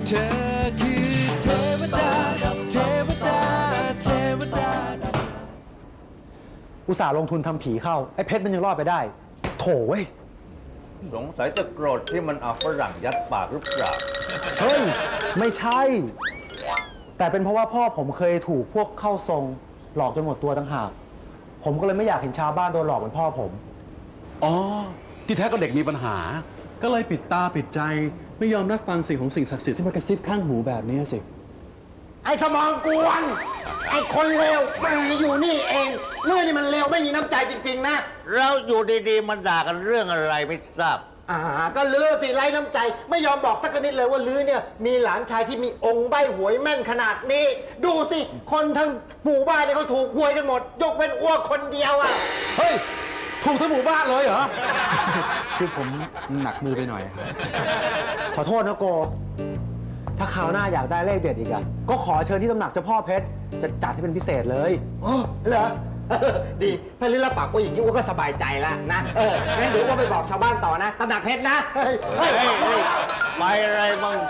เธอคือเทวดาเทวดาเทวดาอุตส่าห์ลงทุนทำผีเข้าไอ้เพชรมันยังรอดไปได้โถเว้ยสงสัยจะโกรธที่มันเอาฝรั่งยัดปากหรือเปล่าเฮ้ยไม่ใช่ แต่เป็นเพราะว่าพ่อผมเคยถูกพวกเข้าทรงหลอกจนหมดตัวต่างหากผมก็เลยไม่อยากเห็นชาวบ้านโดนหลอกเหมือนพ่อผมอ๋อ ที่แท้ก็เด็กมีปัญหาก็เลยปิดตาปิดใจไม่ยอมรับฟังสิ่งของสิ่งศักดิ์สิทธิ์ที่มากระซิบข้างหูแบบนี้สิไอ้สมองกวน ไอ้คนเลวมาอยู่นี่เองเรื่องนี้มันเลวไม่มีน้ำใจจริง ๆ นะเราอยู่ดีๆมันด่ากันเรื่องอะไรไม่ทราบก็ลือสิไร้น้ำใจ ไม่ยอมบอกสักนิดเลยว่าลือเนี่ยมีหลานชายที่มีองค์ใบหวยแม่นขนาดนี้ ดูสิคนทั้งหมู่บ้านเนี่ยเขาถูกหวยกันหมด ยกเป็นอ้วกคนเดียวอ่ะเฮ้ย ถูกทั้งหมู่บ้านเลยเหรอคือผมหนักมือไปหน่อยขอโทษนะโก ถ้าคราวหน้าอยากได้เลขเด็ดอีกอะก็ขอเชิญที่ตำหนักเจ้าพ่อเพชรจะจัดให้เป็นพิเศษเลยอ๋อเหรอ ดีถ้าลิ้นละปากกูอย่างนี้อ้วก็สบายใจแล้วนะงั้นเดี๋ยวอ้วไปบอกชาวบ้านต่อนะตำหนักเพชรนะเฮ้ยเฮ้ยไปอะไรบ้าง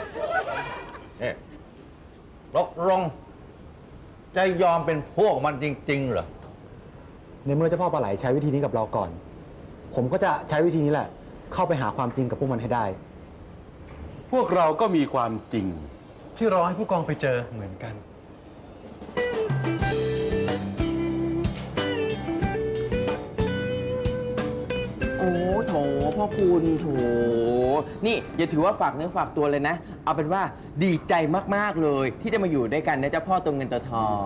ตกลงจะยอมเป็นพวกมันจริงๆเหรอในเมื่อเจ้าพ่อปลาไหลใช้วิธีนี้กับเราก่อน ผมก็จะใช้วิธีนี้แหละ เข้าไปหาความจริงกับพวกมันให้ได้พวกเราก็มีความจริงที่รอให้ผู้กองไปเจอเหมือนกันโอ้โถพ่อคุณโถนี่อย่าถือว่าฝากเนื้อฝากตัวเลยนะ เอาเป็นว่าดีใจมากๆเลย ที่จะมาอยู่ด้วยกันนะเจ้าพ่อตัวเงินตัวทอง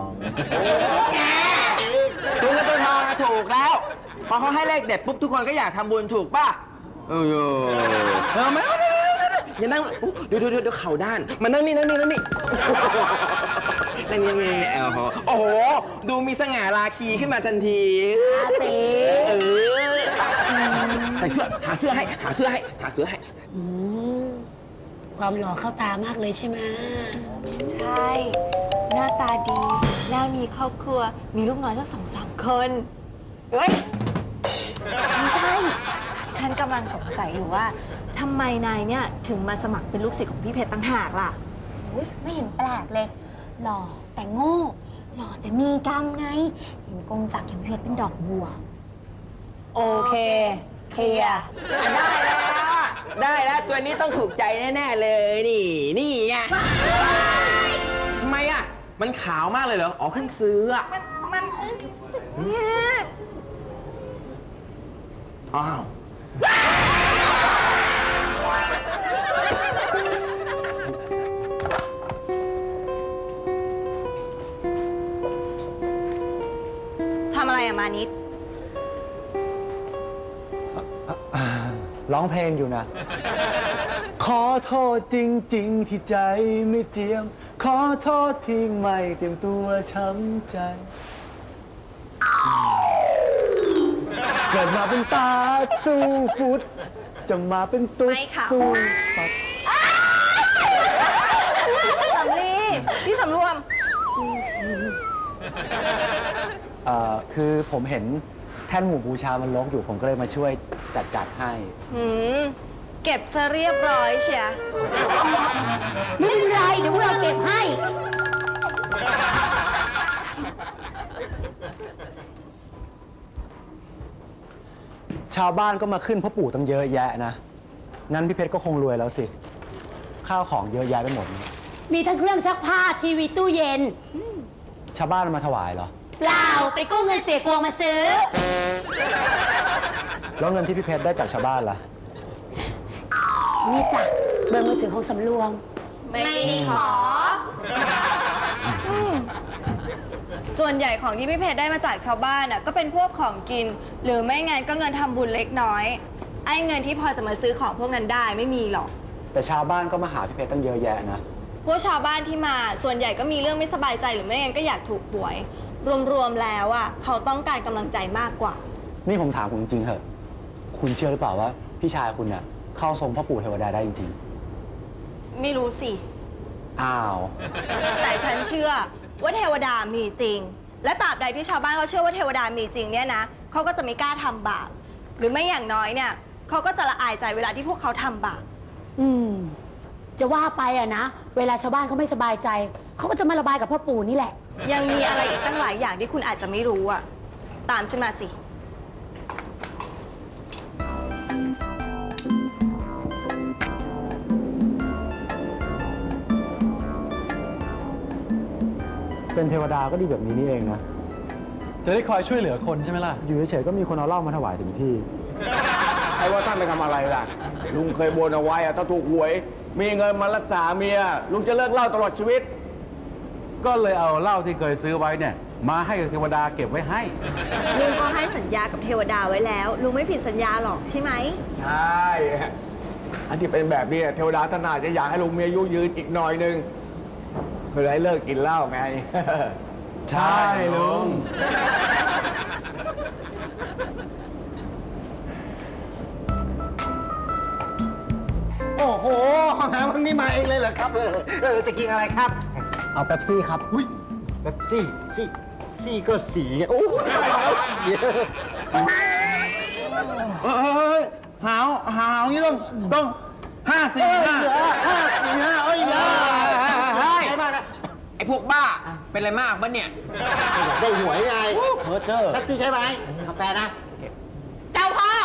ตัวเงินตัวทองนะถูกแล้วพอเขาให้เลขเด็ดปุ๊บทุกคนก็อยากทำบุญถูกป่ะมาอย่านั่งเดี๋ยวเข่าด้านมานั่งนี่นั่งนี่นั่งนี่โอ้โหดูมีสง่าราคีขึ้นมาทันทีใส่เสื้อหาเสื้อให้ความหล่อเข้าตามากเลยใช่ไหมใช่ หน้าตาดี แล้วมีครอบครัว มีลูกน้อยสัก2-3 คนเฮ้ย ไม่ใช่ ฉันกำลังสงสัยอยู่ว่าทำไมนายเนี่ย ถึงมาสมัครเป็นลูกศิษย์ของพี่เพชรตั้งหากล่ะไม่เห็นแปลกเลย หล่อแต่โง่ หล่อแต่มีกรรมไง เห็นกงจักรอย่างเพชรเป็นดอกบัวโอเคเคลียร์ได้แล้วตัวนี้ต้องถูกใจแน่ๆเลยนี่ไงทำไมอ่ะมันขาวมากเลยเหรออ๋อเพิ่งซื้ออ่ะมันอ้าวทำอะไรอะมานิดร้องเพลงอยู่นะ ขอโทษจริง ๆ ที่ใจไม่เจียม ขอโทษที่ไม่เตรียมตัวช้ำใจ เกิดมาเป็นตาสู้ฟุต จะมาเป็นตุ๊ดไม่ค่ะสู้ฟัดสำลีพี่สำรวมคือผมเห็นแท่นหมู่บูชามันรกอยู่ผมก็เลยมาช่วยจัดให้เก็บซะเรียบร้อยเชียไม่เป็นไร เดี๋ยวพวกเราเก็บให้ชาวบ้านก็มาขึ้นพ่อปู่ตั้งเยอะแยะนะ งั้นพี่เพชรก็คงรวยแล้วสิ ข้าวของเยอะแยะไปหมดมีทั้งเครื่องซักผ้าทีวีตู้เย็นชาวบ้านมาถวายเหรอเปล่าไปกู้เงินเสียกวงมาซื้อแล้วเงินที่พี่เพชรได้จากชาวบ้านล่ะนี่จ้ะเบอร์มือถือของสำรวมไม่ได้ขอ ส่วนใหญ่ของที่พี่เพชรได้มาจากชาวบ้านน่ะก็เป็นพวกของกิน หรือไม่งั้นก็เงินทำบุญเล็กน้อย ไอ้เงินที่พอจะมาซื้อของพวกนั้นได้ไม่มีหรอกแต่ชาวบ้านก็มาหาพี่เพชรตั้งเยอะแยะนะพวกชาวบ้านที่มาส่วนใหญ่ก็มีเรื่องไม่สบายใจหรือไม่งั้นก็อยากถูกหวย รวมๆแล้วอ่ะเขาต้องการกำลังใจมากกว่านี่ผมถามคุณจริงๆเถอะ คุณเชื่อหรือเปล่าว่าพี่ชายคุณเนี่ยเข้าทรงพ่อปู่เทวดาได้จริงไม่รู้สิๆ อ้าวแต่ฉันเชื่อว่าเทวดามีจริง และตราบใดที่ชาวบ้านเขาเชื่อว่าเทวดามีจริงเนี่ยนะเขาก็จะไม่กล้าทำบาปหรือไม่อย่างน้อยเนี่ยเขาก็จะละอายใจเวลาที่พวกเขาทำบาปจะว่าไปอะนะ เวลาชาวบ้านเขาไม่สบายใจ เขาก็จะมาระบายกับพ่อปู่นี่แหละยังมีอะไรอีกตั้งหลายอย่างที่คุณอาจจะไม่รู้อะตามฉันมาสิเป็นเทวดาก็ดีแบบนี้นี่เองนะจะได้คอยช่วยเหลือคนใช่ไหมล่ะอยู่เฉยๆก็มีคนเอาเหล้ามาถวายถึงที่ใครว่าท่านไปทำอะไรล่ะ ลุงเคยบนเอาไว้อะถ้าถูกหวย มีเงินมารักษาเมีย ลุงจะเลิกเหล้าตลอดชีวิตก็เลยเอาเหล้าที่เคยซื้อไว้เนี่ย มาให้เทวดาเก็บไว้ให้ลุงก็ให้สัญญากับเทวดาไว้แล้ว ลุงไม่ผิดสัญญาหรอกใช่ไหมใช่ อันที่เป็นแบบนี้เทวดาท่านอาจจะอยากให้ลุงมีอายุยืนอีกหน่อยนึงเพื่อให้เลิกกินเหล้าไงใช่ลุงโอ้โหหาวันนี้มาเองเลยเหรอครับ จะกินอะไรครับเอาเป๊ปซี่ครับอุ้ยแบบซี่ก็สีโอ้ยสีหาวนี่ต้อง5 4 5 4 5เอ้ยอย่าเฮ้ยใช่มากนะไอ้พวกบ้า เป็นอะไรมากบ้าเนี่ยได้หวยไงเพอเจอแท็กซี่ใช่ไหมกาแฟนะเจ้าพ่อ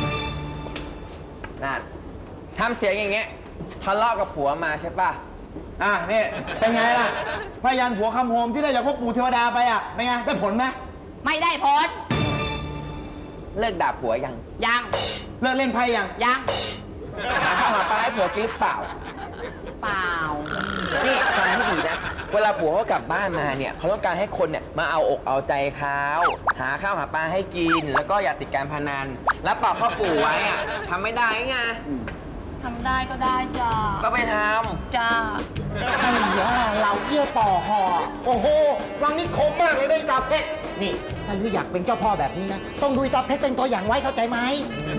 นั่นทำเสียงอย่างเงี้ยทะเลาะกับผัวมาใช่ป่ะอ่ะนี่เป็นไงล่ะพยันผัวคำโฮมที่ได้จากพวกปู่เทวดาไปอ่ะเป็นไงได้ผลไหมไม่ได้ผลเลิกด่าผัวยังยังเลิกเล่นไพ่ยังยังหาข้าวหาปลาให้ผัวกินหรือเปล่าเปล่านี่ฟังให้ดีนะ เวลาผัวเขากลับบ้านมาเนี่ยเขาต้องการให้คนเนี่ยมาเอาอกเอาใจเขาหาข้าวหาปลาให้กิน แล้วก็อย่าติดการพนัน แล้วปรับพ่อปู่ไว้อะทำไม่ได้ไงทำได้ก็ได้จ้าก็ไปทจ้าไอ้ยาเราเยี่ยป่อห่อโอ้โห วังนี้คมมากเลยด้วยตาเพชร นี่ ถ้าลืออยากเป็นเจ้าพ่อแบบนี้นะ ต้องดูตาเพชรเป็นตัวอย่างไว้เข้าใจไหม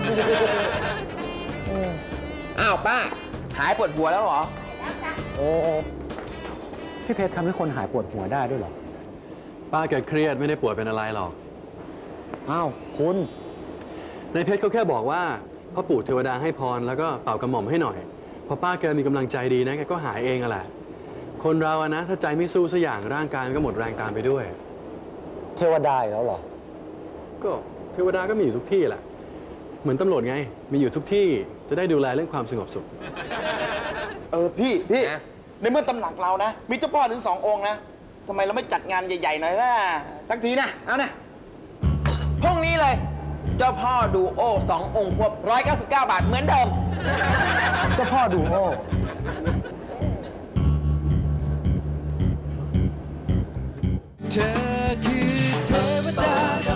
ำอ้าวป้า หายปวดหัวแล้วเหรอโอ้พี่เพชรทำให้คนหายปวดหัวได้ด้วยเหรอป้าแกเครียดไม่ได้ป่วยเป็นอะไรหรอกอ้าวคุณในเพชรเขาแค่บอกว่าพ่อปู่เทวดาให้พรแล้วก็เป่ากระหม่อมให้หน่อย พอป้าแกมีกำลังใจดีนะแกก็หายเองอะแหละ คนเราอะนะถ้าใจไม่สู้สักอย่างร่างกายมันก็หมดแรงตามไปด้วยเทวดาอีกแล้วเหรอก็เทวดาก็มีอยู่ทุกที่แหละ เหมือนตำรวจไง มีอยู่ทุกที่จะได้ดูแลเรื่องความสงบสุขพี่นะในเมื่อตำหนักเรานะ มีเจ้าพ่อถึง2 องค์นะทำไมเราไม่จัดงานใหญ่ๆหน่อยล่ะสักทีนะ เอานะพรุ่งนี้เลย เจ้าพ่อดูโอ2 องค์ควบ199 บาทเหมือนเดิมเจ้าพ่อดูโอเธอคือเทวดา